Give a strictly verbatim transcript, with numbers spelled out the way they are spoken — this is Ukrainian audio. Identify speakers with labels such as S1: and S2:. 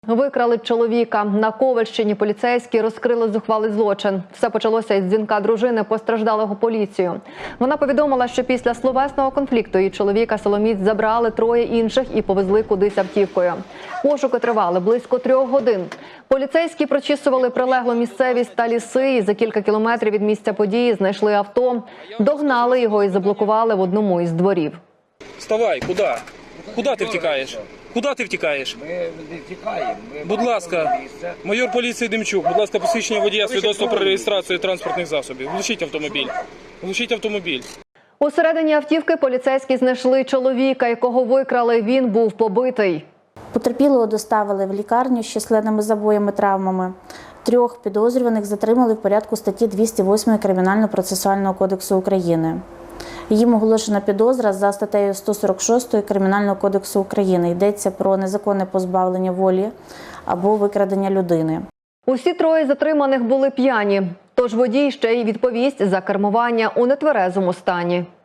S1: Викрали чоловіка. На Ковальщині поліцейські розкрили зухвалий злочин. Все почалося із дзвінка дружини постраждалого поліцію. Вона повідомила, що після словесного конфлікту її чоловіка силоміць забрали троє інших і повезли кудись автівкою. Пошуки тривали близько трьох годин. Поліцейські прочісували прилеглу місцевість та ліси і за кілька кілометрів від місця події знайшли авто, догнали його і заблокували в одному із дворів.
S2: Вставай, куди? Куди ти втікаєш? Куди ти втікаєш?
S3: Ми не втікаємо. Ми
S2: Будь ласка, майор поліції Демчук, будь ласка, посвідчення водія, свідоцтво про реєстрацію транспортних засобів. Глушіть автомобіль. Глушіть автомобіль.
S1: У середині автівки поліцейські знайшли чоловіка, якого викрали. Він був побитий.
S4: Потерпілого доставили в лікарню з численними забоями, травмами. Трьох підозрюваних затримали в порядку статті двісті восьмої Кримінально-процесуального кодексу України. Їм оголошена підозра за статтею сто сорок шостою Кримінального кодексу України. Йдеться про незаконне позбавлення волі або викрадення людини.
S1: Усі троє затриманих були п'яні, тож водій ще й відповість за кермування у нетверезому стані.